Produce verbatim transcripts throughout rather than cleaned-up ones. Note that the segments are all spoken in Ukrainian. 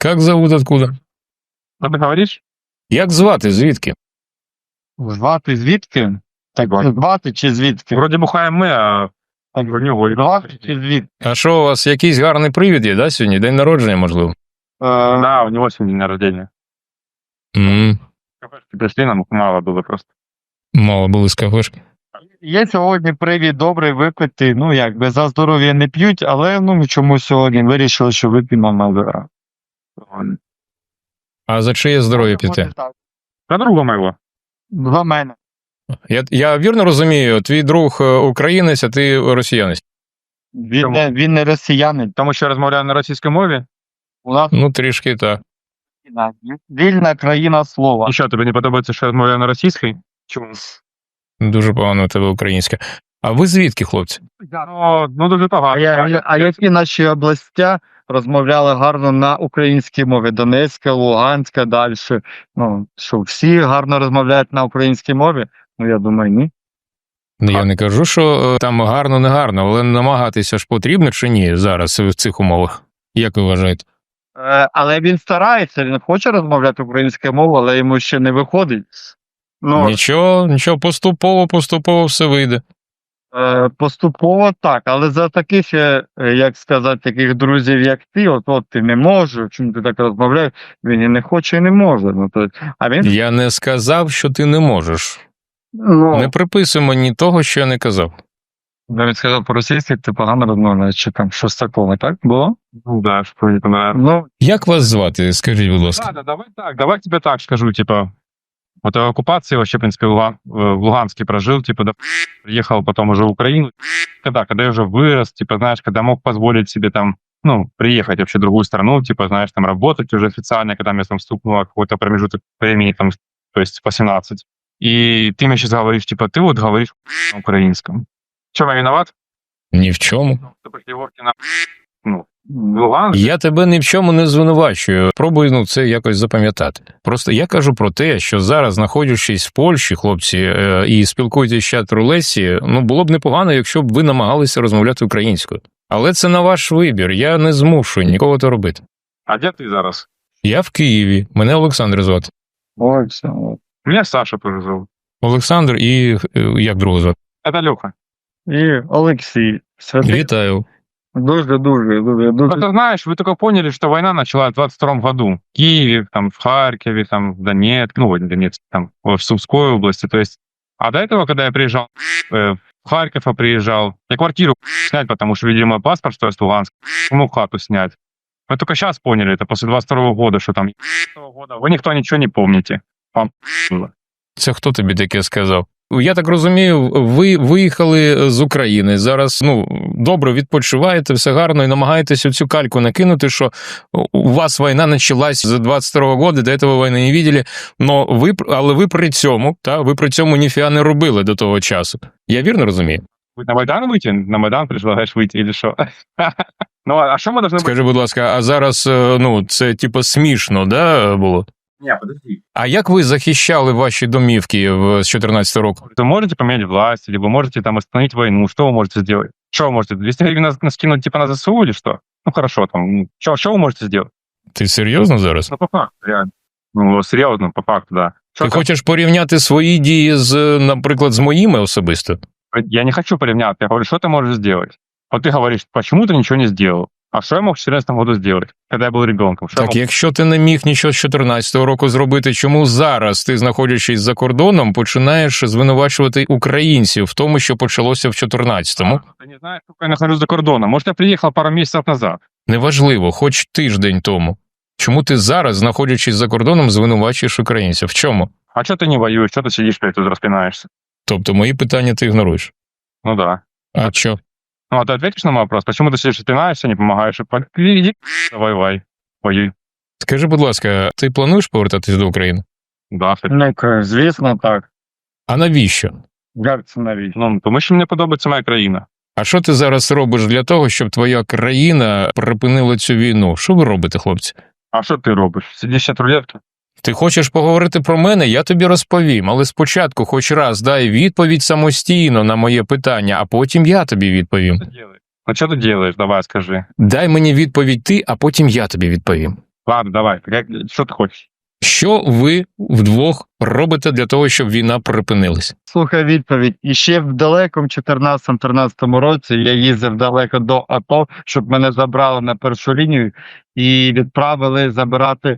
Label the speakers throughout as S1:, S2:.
S1: Как зовут, откуда?
S2: Що ти говориш?
S1: Як звати, звідки?
S3: Звати звідки? Так, звати чи звідки?
S2: Вроді бухаємо ми, а
S3: Так,
S2: в нього і
S3: звати чи звідки?
S1: А що, у вас якийсь гарний привід є, да, сьогодні? День народження, можливо?
S3: Е,
S2: Да, у него сегодня день рождения.
S1: М,
S2: Кафешки пришли, нам мало было просто.
S1: Мало були з кафешки.
S3: Є сьогодні привід добрий випити, ну якби за здоров'я не п'ють, але ну чомусь сьогодні вирішили, що вип'ємо Мальборо.
S1: А за чиє здоров'я піти?
S2: За друга моего.
S3: За мене.
S1: Я, я вірно розумію, твій друг е, українець, а ти росіянець?
S3: Він
S2: Чому?
S3: не, він не росіянин.
S2: Тому що розмовляю на російській мові.
S3: У нас
S1: Ну, трішки так.
S3: війна. Вільна країна слова.
S2: І що, тобі не подобається, що я розмовляю на російській? Чому?
S1: Дуже погано у тебе українське. А ви звідки, хлопці?
S2: Ну, ну дуже
S3: А,
S2: погано.
S3: я, а які наші областя розмовляли гарно на українській мові? Донецька, Луганська, далі. Ну, що всі гарно розмовляють на українській мові? Ну, я думаю, ні.
S1: Ну, я не кажу, що е, там гарно, не гарно, але намагатися ж потрібно чи ні зараз в цих умовах? Як ви вважаєте?
S3: Е, але він старається, він хоче розмовляти українською мовою, але йому ще не виходить. Ну,
S1: Нічого, нічого, поступово, поступово все вийде.
S3: е, поступово так, але за таких, е, як сказати, таких друзів, як ти, от, от ти не можеш, чому ти так розмовляєш, він і не хоче, і не може. Ну, то, а він,
S1: Я не сказав, що ти не можеш.
S3: ну,
S1: Не приписуй мені того, що я не казав.
S3: навіть сказав по-російськи, ти погано розмовляєш, чи там щось такого, так було?
S2: Ну да, что не понравилось.
S3: Ну,
S1: Як вас звати, скажіть, будь ласка?
S2: Да, да, давай так, давай тебе так скажу, типа, вот в оккупации вообще, в принципе, в Луган- в Луганске прожил, типа, да, приехал потом уже в Украину. Когда, когда я уже вырос, типа, знаешь, когда мог позволить себе там, ну, приехать вообще в другую страну, типа, знаешь, там работать уже официально, когда мне там стукнуло какой-то промежуток времени, там, то есть по семнадцать. И ты мне сейчас говоришь, типа, ты вот говоришь на украинском. Чем я виноват?
S1: Ні в чому.
S2: Ты после Егоркина, ну, в Луганск.
S1: Я тебе ні в чому не звинувачую. Пробуй ну, це якось запам'ятати. Просто я кажу про те, що зараз, знаходячись в Польщі, хлопці, е, і спілкуєтесь з чат Лесі, ну було б непогано, якщо б ви намагалися розмовляти українською. Але це на ваш вибір. Я не змушую нікого то робити.
S2: А где ты зараз?
S1: Я в Києві. Мене Олександр звати.
S3: ой, все. от.
S2: Меня Саша тоже зовут.
S1: Олександр і е, як другого звати?
S2: Это Леха.
S3: І Олексій. Святий.
S1: Вітаю.
S3: Дуже, дуже, дуже, дуже.
S2: Просто знаешь, вы только поняли, что война началась в двадцать втором году. В Киеве, там, в Харькове, там, в Донецке, ну, в Донецке, там, в Сумской области. То есть, а до этого, когда я приезжал э, в Харьков, я приезжал, я квартиру снять, потому что, видимо, паспорт, что я с Луганска, ну, хату снять. Мы только сейчас поняли, это после двадцать второго года, что там того года вы никто ничего не помните. Вам было.
S1: Це хто тобі таке сказав? Я так розумію, ви виїхали з України. Зараз ну добре відпочиваєте, все гарно, і намагаєтесь оцю кальку накинути, що у вас війна почалась з двадцять второго года, до цього війни не бачили, но ви, але ви при цьому, та, ви при цьому ніфіга не робили до того часу. Я вірно розумію?
S2: Вы на Майдан выйти? На Майдан предлагаешь выйти или что? Ну, а что мы должны быть?
S1: Скажи, будь ласка, а зараз, е, ну, це типу смішно, да, було?
S2: Не, подожди.
S1: А як ви захищали ваші домівки в- з чотирнадцятого року?
S2: Вы можете поменять власть, либо можете там остановить войну. Что вы можете сделать? Что вы можете? двести гривен нас, нас кинуть типа на ЗСУ или что? Ну хорошо, там, ну, что, что вы можете сделать?
S1: Ти серйозно зараз?
S2: Ну по факту, реально. Ну, серьезно, по факту, да. Что
S1: Ти
S2: там?
S1: хочеш порівняти свої дії з, наприклад, з моїми особисто?
S2: Я не хочу поревняться, я говорю, что ты можешь сделать? Вот ты говоришь, почему ты ничего не сделал? А что я мог в четырнадцатом году сделать, когда я был ребенком? Что я
S1: Так,
S2: мог-
S1: якщо ти не міг нічого з чотирнадцятого року зробити, чому зараз ти, знаходячись за кордоном, починаєш звинувачувати українців в тому, що почалося в чотирнадцятому?
S2: Ты не знаешь, сколько я нахожусь за кордоном. Может, я приехал пару месяцев назад.
S1: Неважливо, хоч тиждень тому. Чому ти зараз, знаходячись за кордоном, звинувачуєш українців? В чому?
S2: А что ты не воюешь? Что ты сидишь, блядь, тут распинаешься?
S1: Тобто мої питання ти ігноруєш.
S2: Ну да.
S1: А що?
S2: Ну, а ты ответишь на мой вопрос? Почему ты сидишь, распинаешься, не помогаешь? И по- Иди, воевай. Воюй.
S1: Скажи, будь ласка, ти плануєш повертатись до України?
S2: Да, кстати.
S3: Ну, к- звісно, так.
S1: А навіщо?
S3: Як це навіть?
S2: Ну, тому що мені подобається моя країна.
S1: А що ти зараз робиш для того, щоб твоя країна припинила цю війну? Що ви робите, хлопці?
S2: А що ти робиш? Сидиш от рулетки?
S1: Ти хочеш поговорити про мене, я тобі розповім, але спочатку хоч раз дай відповідь самостійно на моє питання, а потім я тобі відповім.
S2: Що ти робиш? Ну, що ти робиш? Давай, скажи.
S1: Дай мені відповідь ти, а потім я тобі відповім.
S2: Ладно, давай, как- что ты хочешь?
S1: Що ви вдвох робите для того, щоб війна припинилась?
S3: Слухай відповідь. І ще в далекому чотирнадцятому-тринадцятому році я їздив далеко до АТО, щоб мене забрали на першу лінію і відправили забирати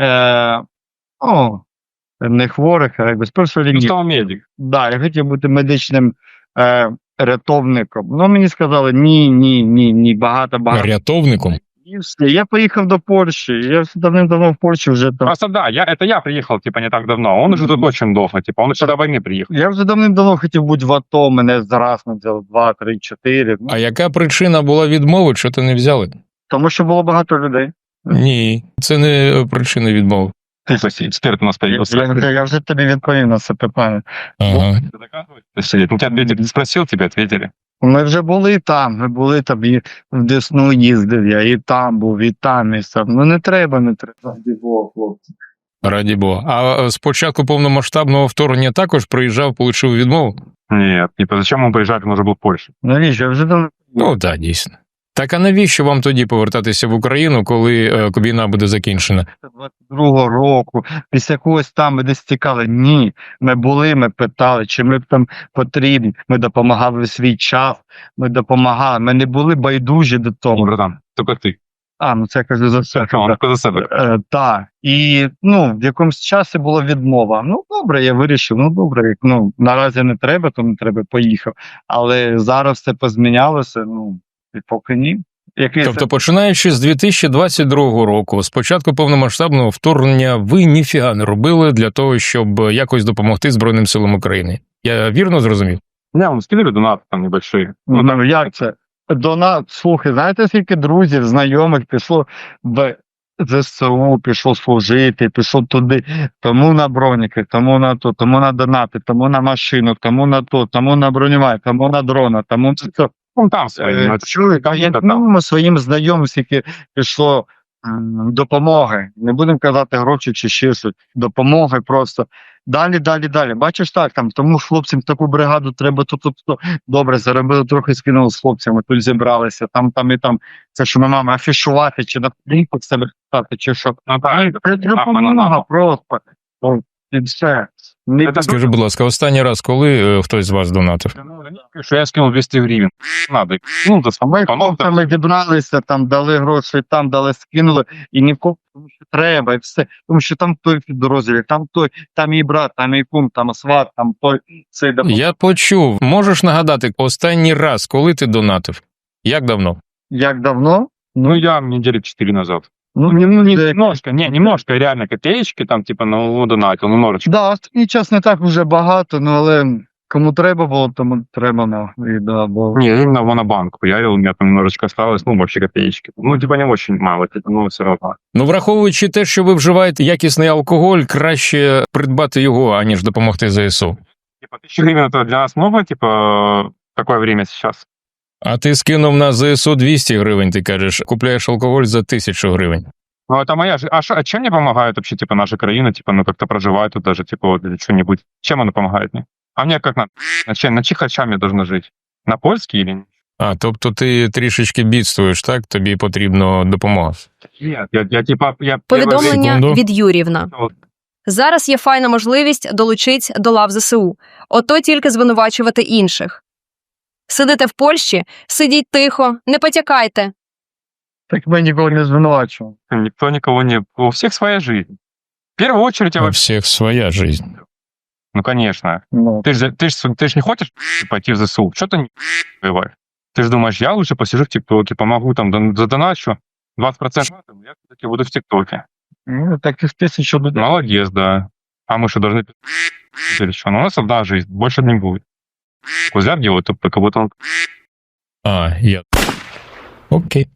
S3: е, ну, не хворих, а якби з першої
S2: Ну,
S3: лінії.
S2: что медик?
S3: Да, я хотів бути медичним е, рятовником. Ну, мені сказали, ні, ні, ні, ні, багато, багато.
S1: Рятовником?
S3: І все. Я поїхав до Польщі. Я давним-давно в Польщі вже там.
S2: Просто да, я, это я приехал, типа, не так давно. Он уже тут очень долго, типа, он еще до войны приехал.
S3: Я вже давним-давно хотів бути в АТО, мене зараз не взяли два, три, чотири.
S1: А яка причина була відмови, що ти не взяли?
S3: Тому що було багато людей.
S1: Ні, це не причина відмови.
S2: Ты, то есть, эксперт у нас
S3: Я,
S2: появился.
S3: я, вже- я вже тобі відповів на це питання.
S1: Ага.
S2: Ты доказываешь? Ну, тебя ответили, спросил, тебе ответили.
S3: Ми вже були там, ми були там, і в Десну їздив я, і там був, і там, і сам. Ну не треба, не треба. Раді Бога, хлопці.
S1: Раді Бога. А з початку повномасштабного вторгнення також приїжджав, отримав відмову?
S2: Нет, типа, зачем он приезжать, он уже был в Польше.
S3: Навіщо? Я вже давно.
S1: Ну так, дійсно. Так а навіщо вам тоді повертатися в Україну, коли е, війна буде закінчена?
S3: двадцять другого року, після когось там ми десь тікали. Ні, ми були, ми питали, чи ми б там потрібні. Ми допомагали в свій час, ми допомагали. Ми не були байдужі до
S2: Ну,
S3: того.
S2: братан, только ты.
S3: А, ну це я кажу за все.
S2: Он только за себя.
S3: Е, так. І ну, в якомусь часі була відмова. Ну, добре, я вирішив, ну добре, як, ну, наразі не треба, то не треба, поїхав. Але зараз все позмінялося, ну, і поки ні. Який це-
S1: Тобто, починаючи з дві тисячі двадцять другого року, з початку повномасштабного вторгнення, ви ніфіга не робили для того, щоб якось допомогти Збройним силам України. Я вірно зрозумів?
S2: Не, он скидывали донаты там небольшие.
S3: Ну, ну, як це? Донат, слухай, знаєте, скільки друзів, знайомих пішло в ЗСУ, пішло служити, пішло туди, тому на броніки, тому на то, тому на донати, тому на машину, тому на то, тому на бронювання, тому на дрона, тому на це.
S2: Ну, там свои. ну,
S3: Е,
S2: это-
S3: Чули, а я ну, своїм знайомим, скільки пішло м, допомоги. Не будемо казати гроші чи ще щось. Допомоги просто. Далі, далі, далі. Бачиш так, там тому хлопцям таку бригаду треба то, то, то. Добре, заробили трохи, скинули з хлопцями, тут зібралися, там, там і там. Це що ми маємо афішувати, чи на плінку себе писати, чи що.
S2: Ну, да,
S3: Це допомога просто. Ну, і все. Не
S2: Це
S1: Скажи, будь ласка, останній раз, коли е, хтось з вас донатив?
S2: Что я скинул двести гривен. Надо. Ну, да,
S3: А ми
S2: потом
S3: хлопцями відбралися, там дали гроші, там дали, скинули, і нікого, тому що треба, і все. Тому що там той підрозділ, там той, там і брат, там і кум, там сват, там той, цей допомагає.
S1: Я почув. Можеш нагадати, останній раз, коли ти донатив? Як давно?
S3: Як давно?
S2: Ну, я недели четыре назад.
S3: Ну,
S2: Ну,
S3: ну,
S2: немножко, не, немножко, реально, копеечки там, типа, ну, донатил, немножечко.
S3: Да, останній час не так вже багато, ну але кому треба було, тому треба, ну, і да, бо...
S2: Не, именно в монобанк хуярил, у меня там немножечко осталось, ну, вообще копеечки. Ну, типа, не очень мало, типа, ну, все равно.
S1: Ну, враховуючи те, що ви вживаєте якісний алкоголь, краще придбати його, аніж допомогти ЗСУ.
S2: Типа, тысяча гривен это для нас много, типа, такое время сейчас?
S1: А ти скинув на ЗСУ двісті гривень, ти кажеш, купляєш алкоголь за тисячу гривень.
S2: Ну, это моя же... А, шо- а чем мне помогает вообще, типа, наша краина, типа, ну, как-то проживать тут даже, типа, вот, или что-нибудь? Чем она помогает мне? А мне как на... На, чем, на чих харчам я должен жить? На польский или...
S1: А, тобто ти трішечки бідствуєш, так? Тобі потрібна допомога.
S2: Нет, я, я типа... Я
S4: Повідомлення
S1: Секунду.
S4: від Юрівна. Зараз є файна можливість долучить до лав ЗСУ. Ото тільки звинувачувати інших. Сидите в Польщі, сидіть тихо, не потякайте.
S3: Так ми нікого не звинувачуємо.
S2: Никто никого не... У всех своя жизнь. В первую очередь я
S1: У
S2: вообще...
S1: всіх своя жизнь.
S2: Ну, конечно.
S3: Ну,
S2: Ты же ты ж, ты ж не хочешь пойти в ЗСУ? Что ты не воеваешь? Ты же думаешь, я лучше посижу в ТикТоке, помогу там, дон- задоначу двадцать процентов, я все-таки буду в ТикТоке.
S3: ну, так і в тисячу людей.
S2: Молодец, да. А мы что, должны... Или что? Ну, у нас одна жизнь, больше не будет. Кузяк делает, как будто он...
S1: А, я. Окей.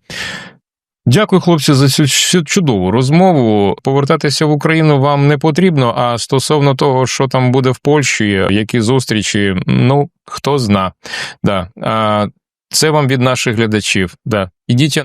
S1: Дякую, хлопці, за цю цю чудову розмову. Повертатися в Україну вам не потрібно, а стосовно того, що там буде в Польщі, які зустрічі, ну, хто зна. Да. А, це вам від наших глядачів. Да. Ідіть.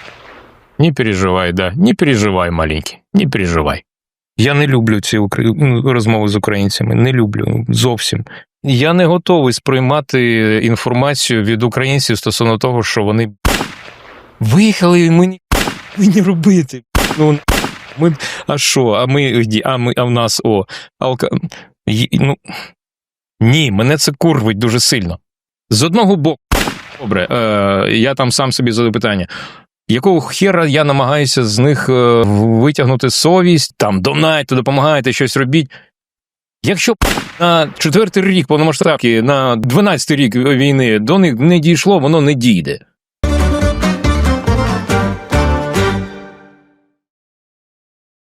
S1: Не переживай, да. Не переживай, маленький. Не переживай. Я не люблю ці укра... розмови з українцями. Не люблю зовсім. Я не готовий сприймати інформацію від українців стосовно того, що вони виїхали і мені не робити. Ну, Ми, а що? А ми, а ми, а в нас, о, алка... Й- Ну, ні, мене це курвить дуже сильно. З одного боку, добре, е, я там сам собі задаю питання. Якого хера я намагаюся з них е, витягнути совість, там, донайте, допомагайте, щось робіть. Якщо на четвертий рік повномасштабки, на дванадцятий рік війни до них не дійшло, воно не дійде.